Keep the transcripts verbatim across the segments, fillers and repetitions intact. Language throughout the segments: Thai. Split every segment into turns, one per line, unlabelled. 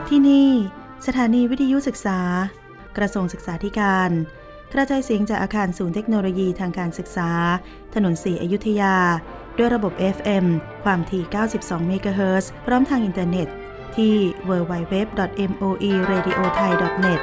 ที่นี่สถานีวิทยุศึกษากระทรวงศึกษาธิการกระจายเสียงจากอาคารศูนย์เทคโนโลยีทางการศึกษาถนนศรีอยุธยาด้วยระบบ เอฟ เอ็ม ความถี่ เก้าสิบสอง เมกะเฮิรตซ์ พร้อมทางอินเทอร์เน็ตที่ ดับเบิลยู ดับเบิลยู ดับเบิลยู ดอท เอ็ม โอ อี เรดิโอ ไทย ดอท เน็ต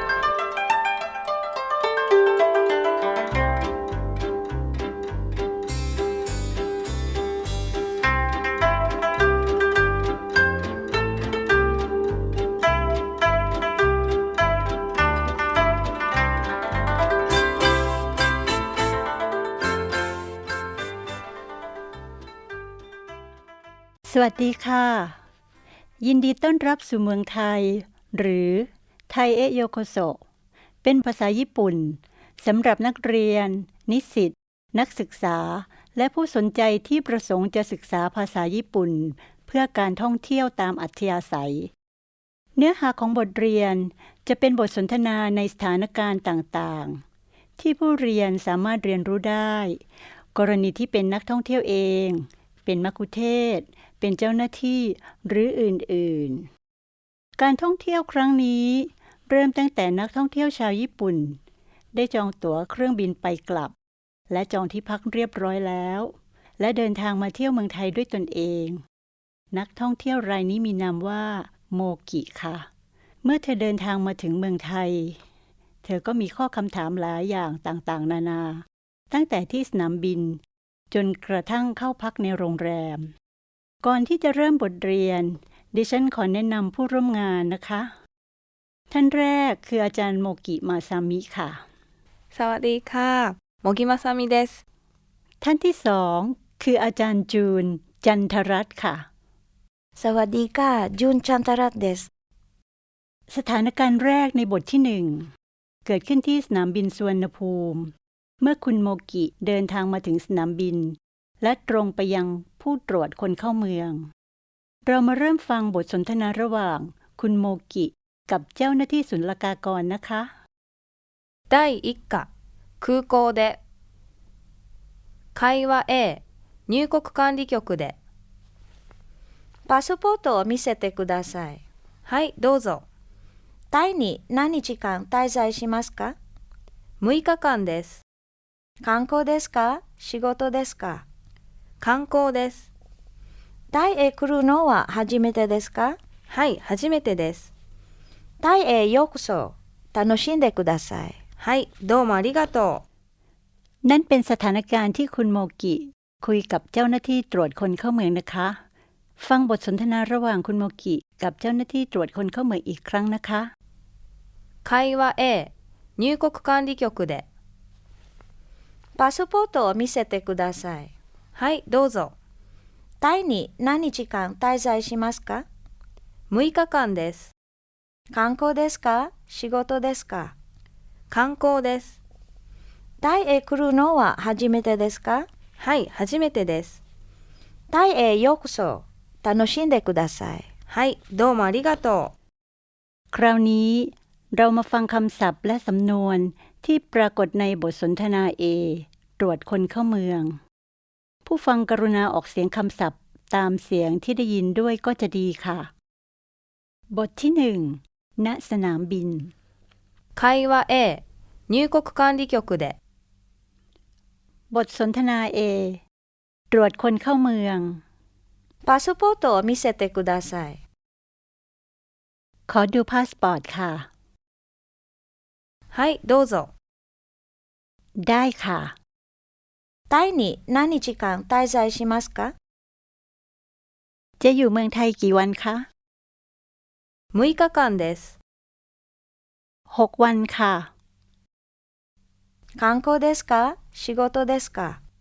สวัสดีค่ะยินดีต้อนรับสู่เมืองไทยหรือไทยเอะโยโกโซเป็นภาษาญี่ปุ่นสำหรับนักเรียนนิสิตนักศึกษาและผู้สนใจที่ประสงค์จะศึกษาภาษาญี่ปุ่นเพื่อการท่องเที่ยวตามอัธยาศัยเนื้อหาของบทเรียนจะเป็นบทสนทนาในสถานการณ์ต่างๆที่ผู้เรียนสามารถเรียนรู้ได้กรณีที่เป็นนักท่องเที่ยวเองเป็นมัคคุเทศก์เป็นเจ้าหน้าที่หรืออื่นๆการท่องเที่ยวครั้งนี้เริ่มตั้งแต่นักท่องเที่ยวชาวญี่ปุ่นได้จองตั๋วเครื่องบินไปกลับและจองที่พักเรียบร้อยแล้วและเดินทางมาเที่ยวเมืองไทยด้วยตนเองนักท่องเที่ยวรายนี้มีนามว่าโมกิค่ะเมื่อเธอเดินทางมาถึงเมืองไทยเธอก็มีข้อคำถามหลายอย่างต่างๆนานาตั้งแต่ที่สนามบินจนกระทั่งเข้าพักในโรงแรมก่อนที่จะเริ่มบทเรียนดิฉันขอแนะนำผู้ร่วมงานนะคะท่านแรกคืออาจารย์โมกิมาซามิค่ะ
สวัสดีค่ะโมกิมาซามิเดส
ท่านที่สองคืออาจารย์จูนจันทรัตน์ค่ะ
สวัสดีค่ะจูนจันทรัตน์เดส
สถานการณ์แรกในบทที่หนึ่งเกิดขึ้นที่สนามบินสุวรรณภูมิเมื่อคุณโมกิเดินทางมาถึงสนามบินและตรงไปยังผู้ตรวจคนเข้าเมืองเรามาเริ่มฟังบทสนทนาระหว่างคุณโมกิกับเจ้าหน้าที่ศุลกากรนะคะ
第一課空港で会話 A 入国管理局で
パスポートを見せてください。
はいどうぞ。
タイに何日間滞在しますか？
むいかかんです。
観光ですか？仕事ですか？
観光です。
タイへ来るのは初めてですか？
はい初めてです。
タイへようこそ。楽しんでください。
はいどうもありがとう。
นั่นเป็นสถานการณ์ที่คุณโมกิคุยกับเจ้าหน้าที่ตรวจคนเข้าเมืองนะคะฟังบทสนทนาระหว่างคุณโมกิกับเจ้าหน้าที่ตรวจคนเข้าเมืองอีกครั้งนะคะ
会話 A 入国管理局で
パスポートを見せてください。
はいどうぞ。
タイに何日間滞在しますか？
むいかかんです。
観光ですか？仕事ですか？
観光です。
タイへ来るのは初めてですか？
はい初めてです。
タイへようこそ。楽しんでください。
はいどうもありがとう。
คราวนี้เรามาฟังคำศัพท์และสำนวนที่ปรากฏในบทสนทนา A ตรวจคนเข้าเมืองผู้ฟังกรุณาออกเสียงคำศัพท์ตามเสียงที่ได้ยินด้วยก็จะดีค่ะบทที่หนึ่งณสนามบิน
会話 A 入国管理局で
บทสนทนา A ตรวจคนเข้าเมือง
パスポートを見せてください。
ขอดูพาสปอร์ตค่ะ
はいどうぞ。
ได้ค่ะ
タイに何日間滞在しますか？
จะอยู่เมืองไทยกี่วันคะ
むいかかんです。
หกวันค่ะ
観光ですか？仕事ですか？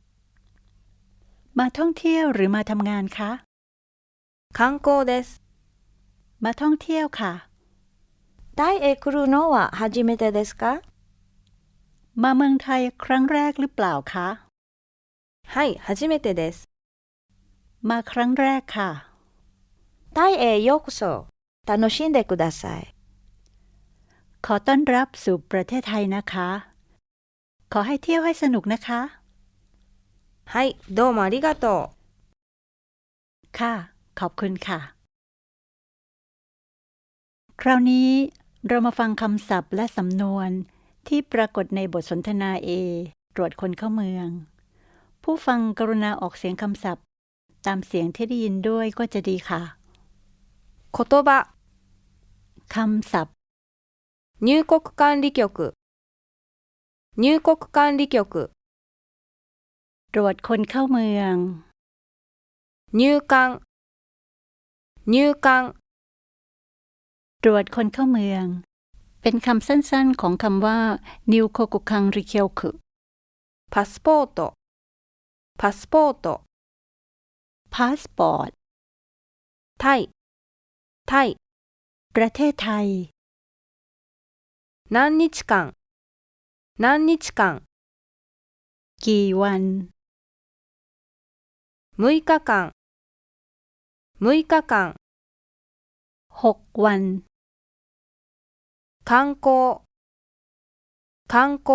มาท่องเที่ยวหรือมาทำงานคะ
観光です。
มาท่องเที่ยวค่ะ
タイへ来るのは初めてですか？
มาเมืองไทยครั้งแรกหรือเปล่าคะ
はい初めてです。
มาครั้งแรกค่ะ
タイへようこそ。楽しんでください。
ขอต้อนรับสู่ประเทศไทยนะคะขอให้เที่ยวให้สนุกนะคะ
はいどうもありがとう。
ค่ะขอบคุณค่ะคคราวนี้เรามาฟังคำศัพท์และสำนวนที่ปรากฏในบทสนทนา A ตรวจคนเข้าเมือง ผู้ฟังกรุณาออกเสียงคำศัพท์ตามเสียงที่ได้ยินด้วยก็จะดีค่ะ
言葉、
คำศัพท์
入国管理局、入国管理局、
ตรวจคนเข้าเมือง
入管、入管、
ตรวจคนเข้าเมือง เป็นคำสั้นๆของคำว่านิวโคกุคังริเคียวคุ
パスポート、パスポート、
พาสปอร์ต
タイ、タイ、
ประเทศไทย
何日間、何日間、
กี่วัน
むいかかん、むいかかん、
หกวัน
観光、観光、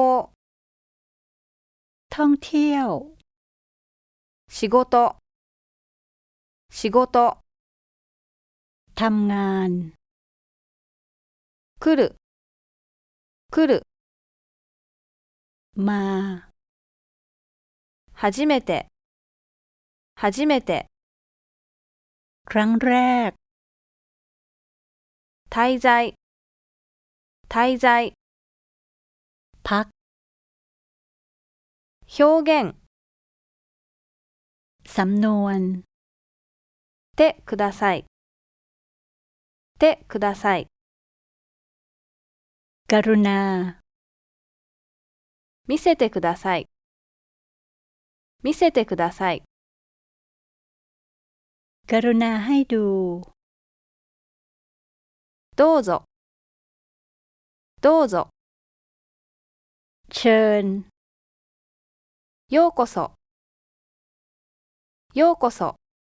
ท่องเที่ยว
仕事、仕事、
ทำงาน
来る、来る、
มา
初めて、初めて、
ครั้งแรก
滞在、滞在、
พัก
表現、
สำนวน
てください、てください、
กรุณา
見せてください、見せてください、
กรุณาให้ดู
どうぞ、どうぞ、
เชิญ
ようこそ、ようこそ、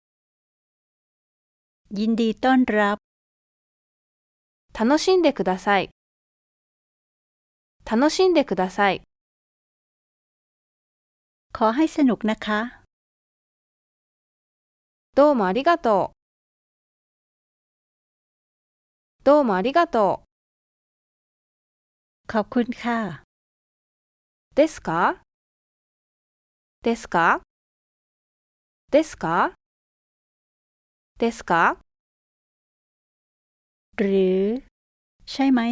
ยินดีต้อนรับ
楽しんでください、楽しんでください、
ขอให้สนุกนะคะ
どうもありがとう、どうもありがとう、
ขอบคุณค่ะ
ですかですかですかですか
หรือ ใช่ไหม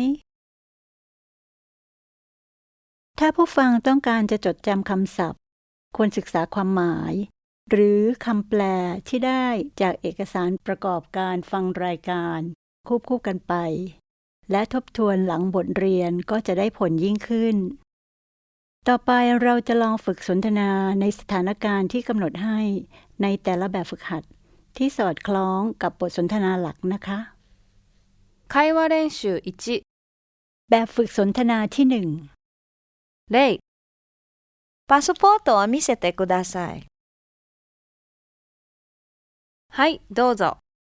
ถ้าผู้ฟังต้องการจะจดจำคำศัพท์ ควรศึกษาความหมาย หรือคำแปลที่ได้จากเอกสารประกอบการฟังรายการควบคู่กันไป และทบทวนหลังบทเรียนก็จะได้ผลยิ่งขึ้น ต่อไปเราจะลองฝึกสนทนาในสถานการณ์ที่กำหนดให้ในแต่ละแบบฝึกหัดที่สอดคล้องกับบทสนทนาหลักนะคะ
会話練習いち、
แบบฝึกสนทนาที่หนึ่ง
例、
パスポートを見せてください。
はい、どうぞ。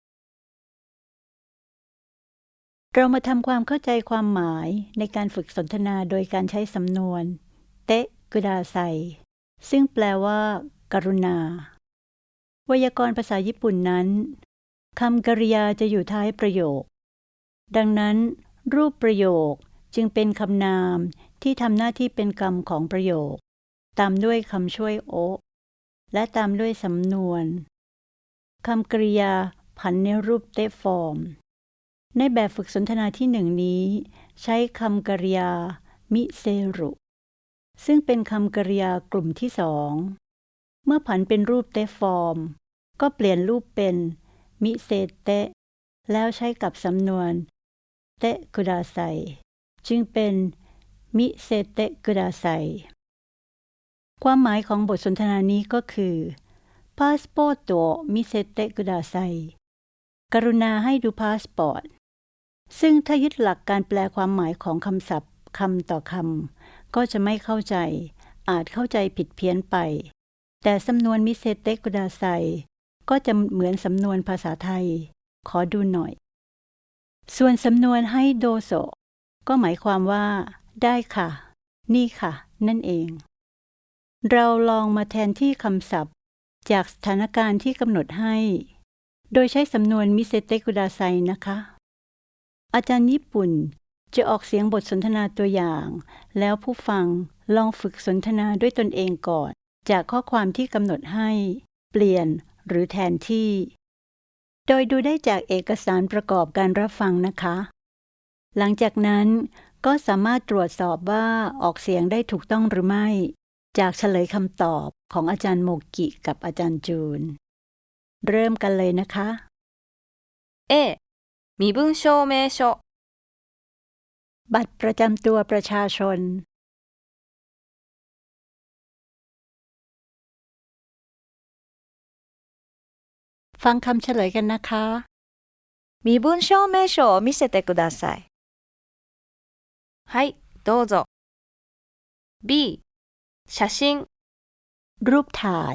เรามาทำความเข้าใจความหมายในการฝึกสนทนาโดยการใช้สำนวน เตะกุดาไซ ซึ่งแปลว่า กรุณา ไวยากรณ์ภาษาญี่ปุ่นนั้นคำกริยาจะอยู่ท้ายประโยค ดังนั้น รูปประโยคจึงเป็นคำนามที่ทำหน้าที่เป็นกรรมของประโยค ตามด้วยคำช่วยโอและตามด้วยสำนวนคำกริยาผันในรูปเตะฟอร์ม ในแบบฝึกสนทนาที่หนึ่งนี้ใช้คำกริยา มิเซรุ ซึ่งเป็นคำกริยากลุ่มที่สอง เมื่อผันเป็นรูปเตะฟอร์ม ก็เปลี่ยนรูปเป็น มิเซเตะ แล้วใช้กับสำนวน เตะกุดาไซ จึงเป็น มิเซเตะกุดาไซ ความหมายของบทสนทนานี้ก็คือ พาสปอร์ตโตมิเซเตะกุดาไซ กรุณาให้ดูพาสปอร์ต ซึ่งถ้ายึดหลักการแปลความหมายของคำศัพท์คำต่อคำก็จะไม่เข้าใจ อาจเข้าใจผิดเพี้ยนไป แต่สำนวนมิเซเตะกุดาไซก็จะเหมือนสำนวนภาษาไทย ขอดูหน่อย ส่วนสำนวนให้โดโซก็หมายความว่า ได้ค่ะ นี่ค่ะ นั่นเอง เราลองมาแทนที่คำศัพท์จากสถานการณ์ที่กำหนดให้ โดยใช้สำนวนมิเซเตะกุดาไซนะคะอาจารย์ญี่ปุ่นจะออกเสียงบทสนทนาตัวอย่าง แล้วผู้ฟังลองฝึกสนทนาด้วยตนเองก่อนจากข้อความที่กำหนดให้เปลี่ยนหรือแทนที่ โดยดูได้จากเอกสารประกอบการรับฟังนะคะ หลังจากนั้นก็สามารถตรวจสอบว่าออกเสียงได้ถูกต้องหรือไม่จากเฉลยคำตอบของอาจารย์โมกิกับอาจารย์จูน เริ่มกันเลยนะคะ
A 身分証明書
บัตรประจำตัวประชาชน ฟังคำเฉลยกันนะคะ
身分証明書を見せてください。
はいどうぞ B 写真
รูปถ่าย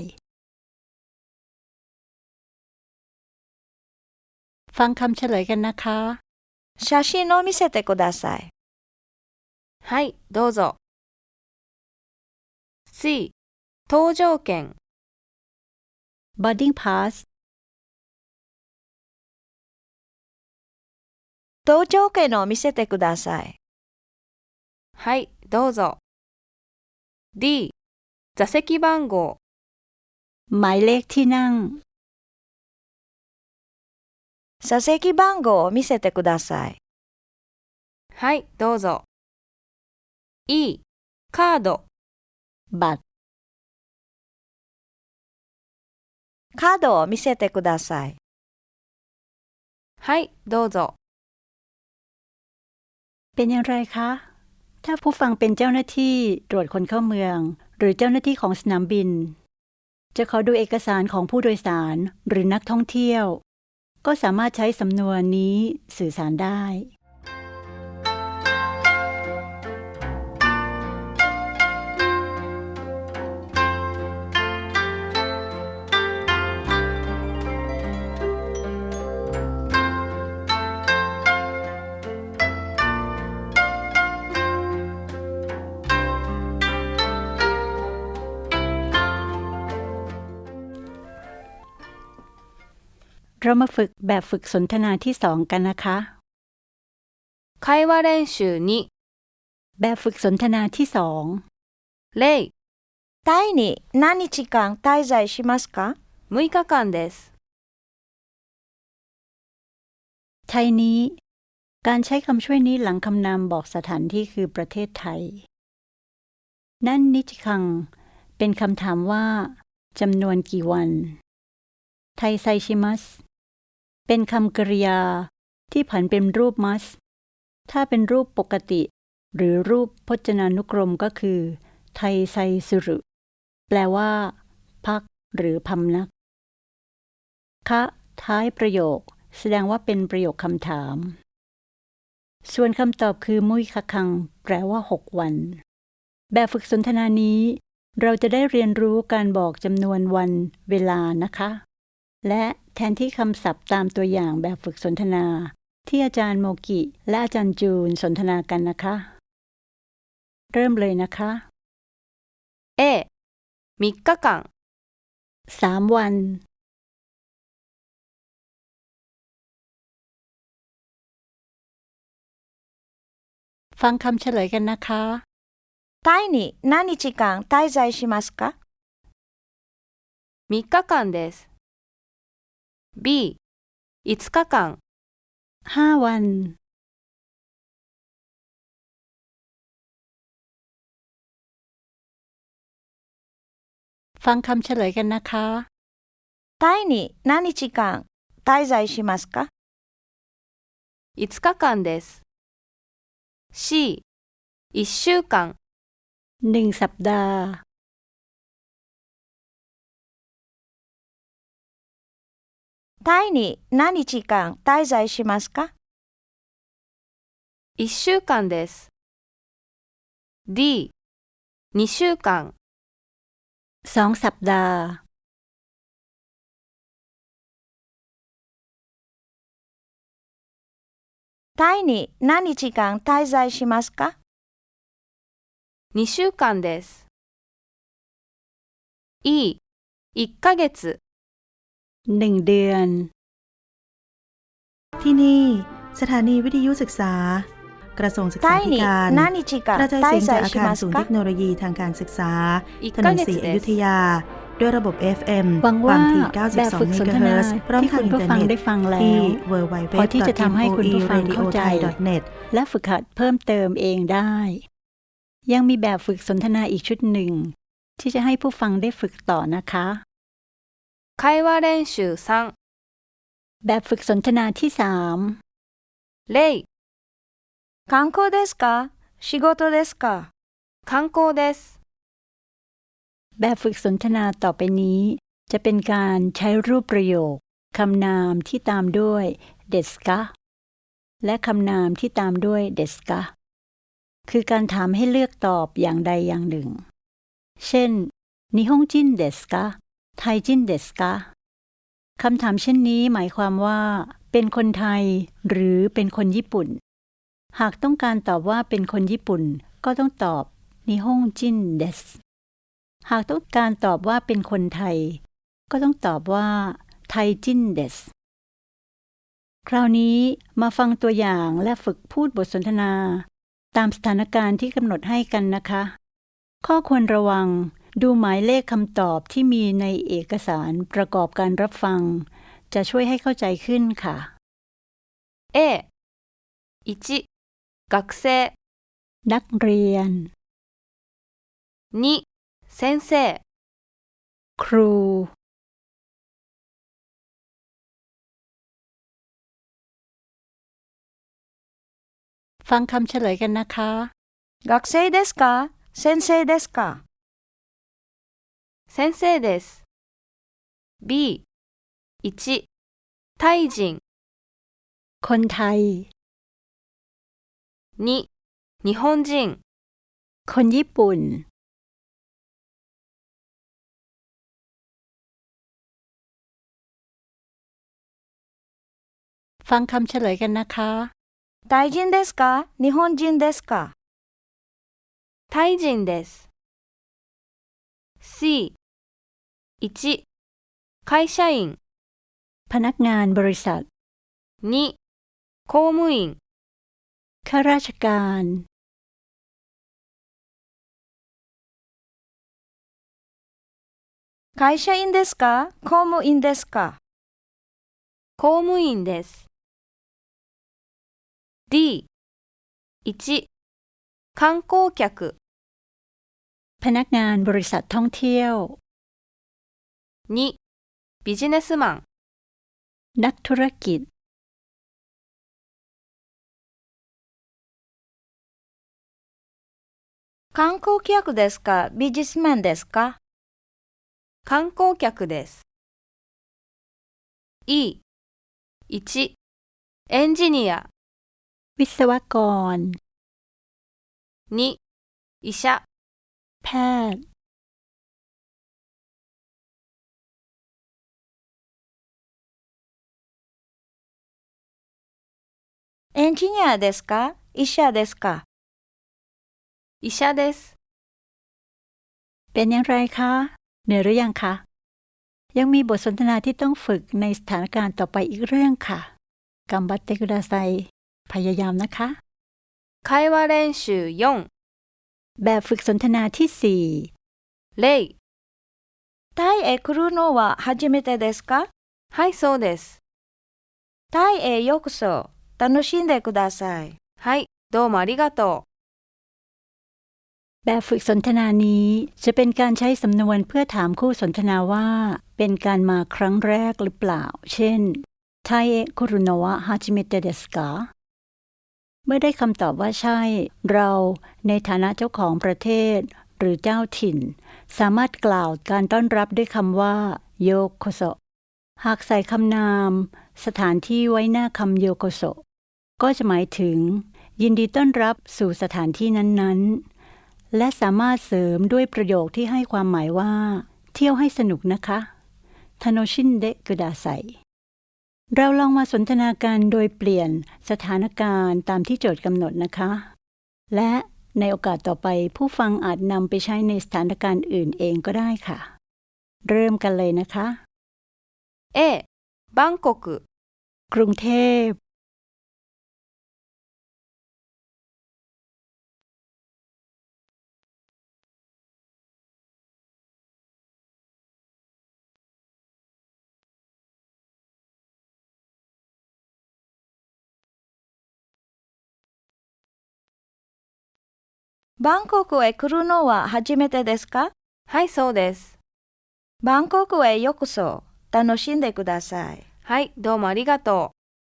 ฟังคำเฉลยกันนะคะ
写真を見せてください。
はいどうぞ C 搭乗券
boarding pass
搭乗券を見せてください。
はいどうぞ D 座席番号
หมายเลขที่นั่ง
座席番号を見せてください。
はいどうぞ E カード
บัตร
カードを見せてください。
はいどうぞ
เป็นอย่างไรคะ ถ้าผู้ฟังเป็นเจ้าหน้าที่ตรวจคนเข้าเมือง หรือเจ้าหน้าที่ของสนามบิน จะขอดูเอกสารของผู้โดยสารหรือนักท่องเที่ยว ก็สามารถใช้สำนวนนี้สื่อสารได้ เรามาฝึกแบบฝึกสนทนาที่สองกันนะคะ
会話練習に
แบบฝึกสนทนาที่สอง
例
タイに何日間滞在しますか？
むいかかんです
ไทยนี้ การใช้คำช่วยนี้หลังคำนามบอกสถานที่คือประเทศไทย นั่นนิจคัง เป็นคำถามว่าจำนวนกี่วัน ไทยไซชิมัส เป็นคำกริยาที่ผันเป็นรูปมัส ถ้าเป็นรูปปกติ หรือรูปพจนานุกรมก็คือ ไทยไซสุรุ แปลว่า พักหรือพำนัก คะท้ายประโยค แสดงว่าเป็นประโยคคำถาม ส่วนคำตอบคือมุยคะคัง แปลว่าหกวัน แบบฝึกสนทนานี้ เราจะได้เรียนรู้การบอกจำนวนวันเวลานะคะ และแทนที่คำศัพท์ตามตัวอย่างแบบฝึกสนทนาที่อาจารย์โมกิและอาจารย์จูนสนทนากันนะคะ เริ่มเลยนะคะ
A みっかかん
สามวัน ฟังคำเฉลยกันนะคะ
タイに何日間滞在しますか？
みっかかんです B いつかかん
ห้าวัน ฟังคำเฉลยกันนะคะ
タイに何日間滞在しますか？
いつかかんです C いっしゅうかん
หนึ่งสัปดาห์
タイに何日間滞在しますか？
いっしゅうかんです D にしゅうかん
สองสัปดาห์
タイに何日間滞在しますか？
にしゅうかんです E いっかげつ
หนึ่งเดือน
ที่นี่สถานีวิทยุศึกษา กระทรวงศึกษา
タイ
ธิ
に
การ
何日
ก
間
ระจายเสียง
滞
จาก
在
อา
し
คาร
ま
ศู
す
นย์
か
เทคโนโลยีทางการศึกษา
1
ถน
ヶ
นศรี
月
อ
で
ยุธ
す
ยา ด้วยระบบ เอฟ เอ็ม
หวัง
ควา
ว่าม
ถี่
แบบฝึก
เก้าสิบสอง
สนทนา
เมกะเฮิรตซ์ พร้อม
ที่
ทาง
คุณ
อิน
ผู้
เทอร์
ฟัง
เน็ต
ได้ฟังแล้
ที่
ว
ดับเบิลยู ดับเบิลยู ดับเบิลยู
พอที่จะทำให้คุณผู้ฟัง
ดอท
เข้าใจ
เอ็ม โอ อี เรดิโอ ไทย ดอท เน็ต
และฝึกหัดเพิ่มเติมเองได้ ยังมีแบบฝึกสนทนาอีกชุดหนึ่ง ที่จะให้ผู้ฟังได้ฝึกต่อนะคะ
会話練習さん
แบบฝึกสนทนาที่สาม
例
観光ですか仕事ですか
観光です
แบบฝึกสนทนาต่อไปนี้ จะเป็นการใช้รูปประโยคคำนามที่ตามด้วยเดสกะและคำนามที่ตามด้วยเดสกะคือการถามให้เลือกตอบอย่างใดอย่างหนึ่ง เช่นนิฮงจินเดสกะไทยจินเดสกะคำถามเช่นนี้หมายความว่าเป็นคนไทยหรือเป็นคนญี่ปุ่น หากต้องการตอบว่าเป็นคนญี่ปุ่นก็ต้องตอบนิฮงจินเดสหากต้องการตอบว่าเป็นคนไทยก็ต้องตอบว่าไทยจินเดสคราวนี้มาฟังตัวอย่างและฝึกพูดบทสนทนาตามสถานการณ์ที่กำหนดให้กันนะคะ ข้อควรระวังดูหมายเลขคำตอบที่มีในเอกสารประกอบการรับฟังจะช่วยให้เข้าใจขึ้นค่ะ
A いち学生
นักเรียน
に先生
ครูฟังคำเฉลยกันนะคะ
学生ですか先生ですか
先生です B いちタイ人
คนไทย
に日本人
คนญี่ปุ่น ฟังคำเฉลยกันนะคะ
タイ人ですか日本人ですか
タイ人です C いち会社員
พนักงานบริษัท
に公務員
ข้าราชการ
会社員ですか公務員ですか
公務員です D いち観光客
พนักงานบริษัทท่องเที่ยว
にビジネスマン
นักธุรกิจ
観光客ですかビジネスマンですか
観光客です E いちエンジニア
วิศวกร
に医者
แพทย์
エンジニアですか医者ですか
医者です
เป็นอย่างไรคะเหนื่อยหรือยังคะ ยังมีบทสนทนาที่ต้องฝึกในสถานการณ์ต่อไปอีกเรื่องค่ะกัมบัตเตกุดาไซพยายามนะคะ
会話練習よん
แบบฝึกสนทนาที่สี่
例
タイへ来るのは初めてですか
はいそうです
タイへようこそ楽しんでください
はいどうもありがとう
แบบฝึกสนทนานี้จะเป็นการใช้สำนวนเพื่อถามคู่สนทนาว่าเป็นการมาครั้งแรกหรือเปล่า เช่นไทเอะคุรุโนะวะฮาจิเมเตะเดสกะเมื่อได้คำตอบว่าใช่ เราในฐานะเจ้าของประเทศหรือเจ้าถิ่น สามารถกล่าวการต้อนรับด้วยคำว่าโยโกโซหากใส่คำนามสถานที่ไว้หน้าคำโยโกโซก็จะหมายถึงยินดีต้อนรับสู่สถานที่นั้นๆและสามารถเสริมด้วยประโยคที่ให้ความหมายว่าเที่ยวให้สนุกนะคะทาโนชินเดะกุดาไซเราลองมาสนทนากันโดยเปลี่ยนสถานการณ์ตามที่โจทย์กำหนดนะคะและในโอกาสต่อไปผู้ฟังอาจนำไปใช้ในสถานการณ์อื่นเองก็ได้ค่ะเริ่มกันเลยนะคะ
A バンコク
กรุงเทพ
バンコクへ来るのは初めてですか？
はい、そうです。
バンコクへようこそ。楽しんでください。
はい、どうもありがと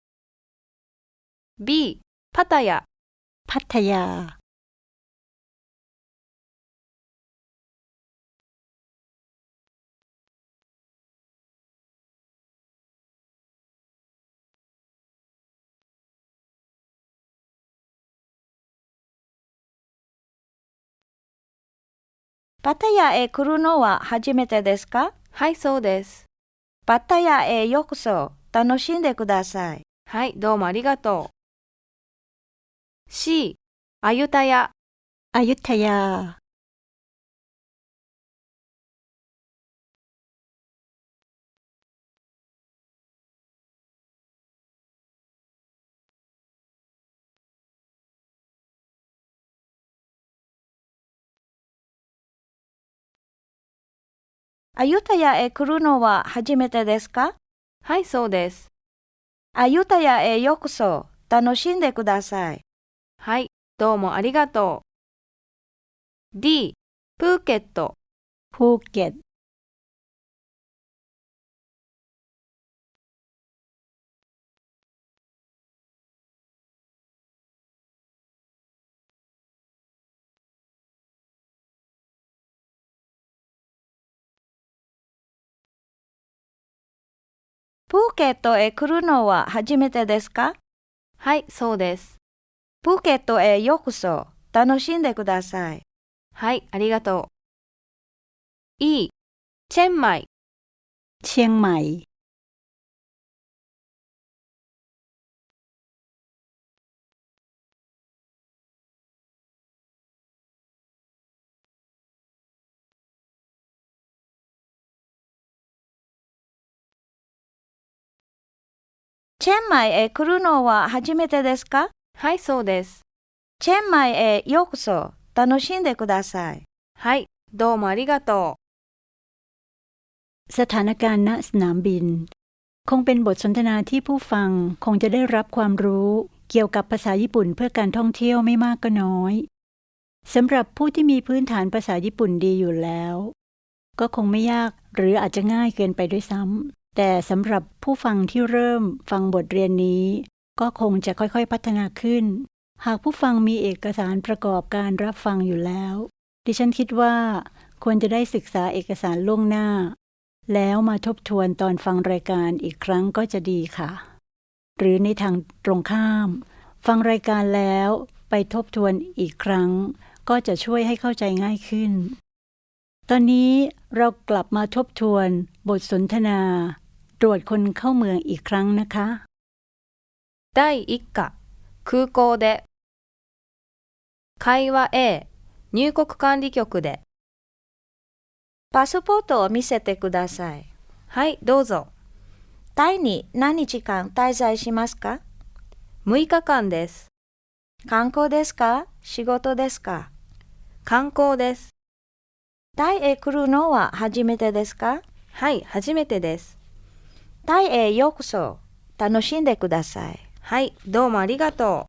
う。B、パタヤ。
พัทยา
パタヤへ来るのは初めてですか？
はい、そうです。
パタヤへようこそ。楽しんでください。
はい、どうもありがとう。C、アユタヤ。
อยุธยา
アユタヤへ来るのは初めてですか？
はい、そうです。
アユタヤへようこそ。楽しんでください。
はい、どうもありがとう。D、プーケット。
ภูเก็ต
プーケットへ来るのは初めてですか？
はい、そうです。
プーケットへようこそ。楽しんでください。
はい、ありがとう。E、チェンマイ。
เชียงใหม่
チェンマイへ来るのは初めてですか？
はい、そうです。
チェンマイへようこそ。楽しんでください。
はい、どうもありがと
สถานการณ์ณสนามบิน คงเป็นบทสนทนาที่ผู้ฟังคงจะได้รับความรู้เกี่ยวกับภาษาญี่ปุ่นเพื่อการท่องเที่ยวไม่มากก็น้อยสำหรับผู้ที่มีพื้นฐานภาษาญี่ปุ่นดีอยู่แล้ว ก็คงไม่ยากหรืออาจจะง่ายเกินไปด้วยซ้ำแต่สำหรับผู้ฟังที่เริ่มฟังบทเรียนนี้ ก็คงจะค่อยๆพัฒนาขึ้น หากผู้ฟังมีเอกสารประกอบการรับฟังอยู่แล้ว ดิฉันคิดว่าควรจะได้ศึกษาเอกสารล่วงหน้า แล้วมาทบทวนตอนฟังรายการอีกครั้งก็จะดีค่ะ หรือในทางตรงข้าม ฟังรายการแล้วไปทบทวนอีกครั้ง ก็จะช่วยให้เข้าใจง่ายขึ้น ตอนนี้เรากลับมาทบทวนบทสนทนา ตรวจคนเข้าเมืองอีกครั้งนะคะ
う。だいいっか、空港で。会話 A、入国管理局で。
パスポートを見せてください。
はい、どうぞ。
タイに何日間滞在しますか？
むいかかんです。
観光ですか？仕事ですか？
観光です。
タイへ来るのは初めてですか？
はい、初めてです。
タイへようこそ。楽しんでください。
はい、どうもありがとう。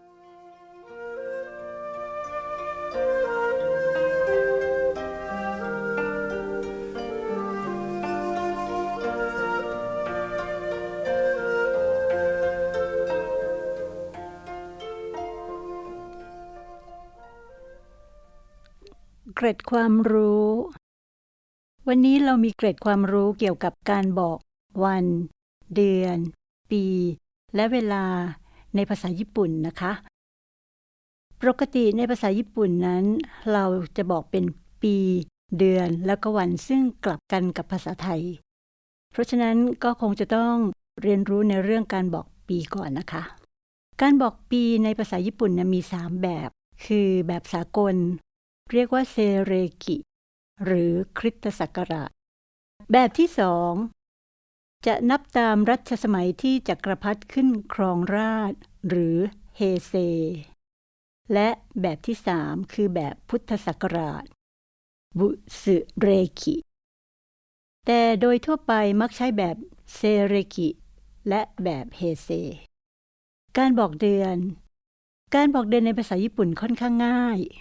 เกร็ดความรู้ วันนี้เรามีเกร็ดความรู้เกี่ยวกับการบอกวัน เดือน ปี และเวลาในภาษาญี่ปุ่นนะคะ ปกติในภาษาญี่ปุ่นนั้น เราจะบอกเป็นปี เดือน แล้วก็วันซึ่งกลับกันกับภาษาไทย เพราะฉะนั้นก็คงจะต้องเรียนรู้ในเรื่องการบอกปีก่อนนะคะ การบอกปีในภาษาญี่ปุ่นนะมีสามแบบ คือแบบสากลเรียกว่าเซเรกิ หรือคริสตศักราช แบบที่สองจะนับตามรัชสมัยที่จักรพรรดิขึ้นครองราชย์หรือเฮเซ และแบบที่สามคือแบบพุทธศักราช บุสึเรกิ แต่โดยทั่วไปมักใช้แบบเซเรกิ และแบบเฮเซ การบอกเดือน การบอกเดือนในภาษาญี่ปุ่นค่อนข้างง่าย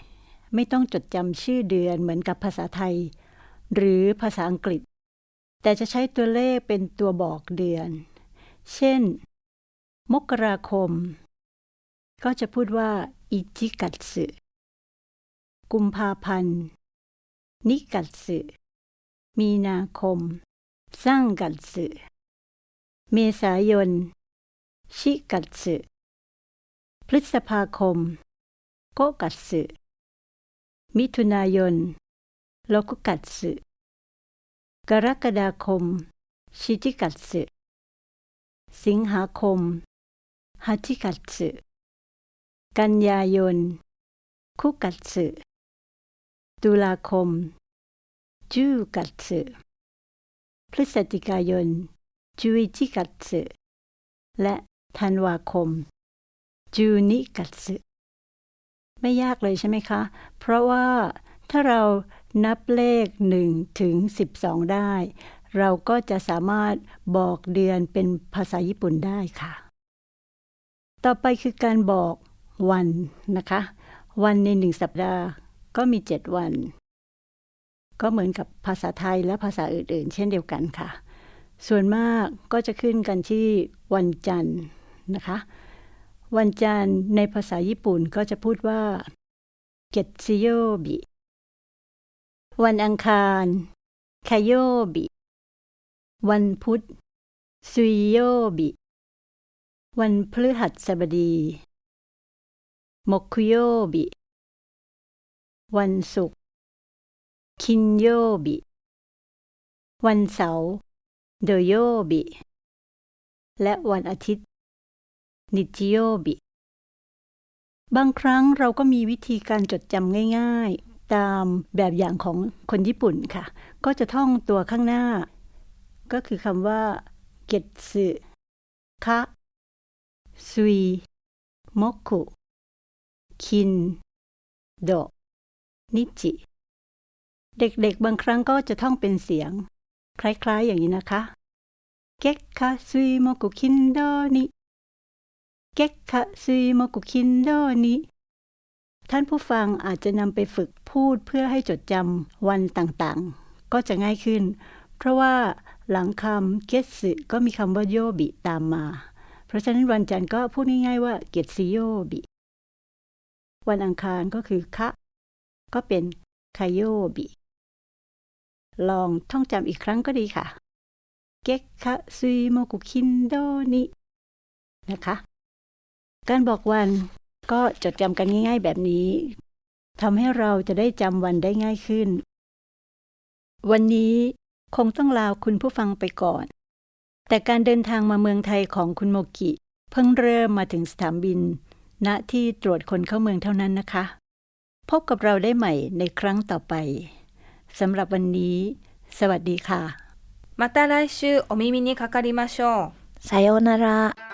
ไม่ต้องจดจำชื่อเดือนเหมือนกับภาษาไทยหรือภาษาอังกฤษแต่จะใช้ตัวเลขเป็นตัวบอกเดือนเช่นมกราคมก็จะพูดว่าอิจิกัตสึกุมภาพันธ์นิกัตสึมีนาคมซังกัตสึเมษายนชิกัตสึพฤษภาคมโกกัตสึมิถุนายนโลกุกัตสึกรกฎาคมชิจิกัตสึสิงหาคมฮัจิกัตสึกันยายนคุกัตสึตุลาคมจูกัตสึพฤศจิกายนจูอิจิกัตสึและธันวาคมจูนิกัตสึไม่ยากเลยใช่ไหมคะเพราะว่าถ้าเรานับเลขหนึ่งถึงสิบสองได้เราก็จะสามารถบอกเดือนเป็นภาษาญี่ปุ่นได้ค่ะต่อไปคือการบอกวันนะคะวันในหนึ่งสัปดาห์ก็มีเจ็ดวันก็เหมือนกับภาษาไทยและภาษาอื่นๆเช่นเดียวกันค่ะส่วนมากก็จะขึ้นกันที่วันจันทร์นะคะวันจันทร์ในภาษาญี่ปุ่นก็จะพูดว่าเกตซิโยบิวันอังคารคาโยบิวันพุธซุยโยบิวันพฤหัสบดีโมคุโยบิวันศุกร์คินโยบิวันเสาร์โดโยบิและวันอาทิตย์นิจิโยบิบางครั้งเราก็มีวิธีการจดจำง่ายๆตามแบบอย่างของคนญี่ปุ่นค่ะก็จะท่องตัวข้างหน้าก็คือคำว่าเกตสึคะซุยโมกุคินโดนิจิเด็กๆบางครั้งก็จะท่องเป็นเสียงคล้ายๆอย่างนี้นะคะเกะคะซุยโมกุคินโดนิเกะคะซุยโมกุคินโดนิท่านผู้ฟังอาจจะนำไปฝึกพูดเพื่อให้จดจำวันต่างๆก็จะง่ายขึ้นเพราะว่าหลังคำเกตสึก็มีคำว่าโยบิตามมาเพราะฉะนั้นวันจันทร์ก็พูดง่ายๆว่าเกตซิโยบิวันอังคารก็คือคะก็เป็นคาโยบิลองท่องจำอีกครั้งก็ดีค่ะเกะคะซุยโมกุคินโดนินะคะการบอกวันก็จดจำกันง่ายๆแบบนี้ทำให้เราจะได้จำวันได้ง่ายขึ้นวันนี้คงต้องลาคุณผู้ฟังไปก่อนแต่การเดินทางมาเมืองไทยของคุณโมกิเพิ่งเริ่มมาถึงสนามบินณที่ตรวจคนเข้าเมืองเท่านั้นนะคะพบกับเราได้ใหม่ในครั้งต่อไปสำหรับวันนี้สวัสดีค่ะ
また来週お耳にかかりましょう。
さようなら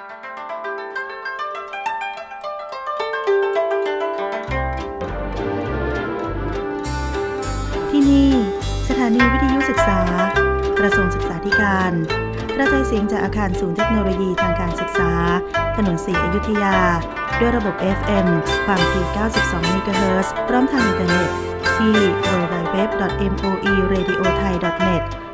ที่นี่สถานีวิทยุศึกษากระทรวงศึกษาธิการกระจายเสียงจากอาคารศูนย์เทคโนโลยีทางการศึกษาถนนศรีอยุธยาด้วยระบบ เอฟ เอ็ม ความถี่ เก้าสิบสอง เมกะเฮิรตซ์ พร้อมทางอินเทอร์เน็ตที่ ดับเบิลยู ดับเบิลยู ดับเบิลยู ดอท เอ็ม โอ อี เรดิโอ ไทย ดอท เน็ต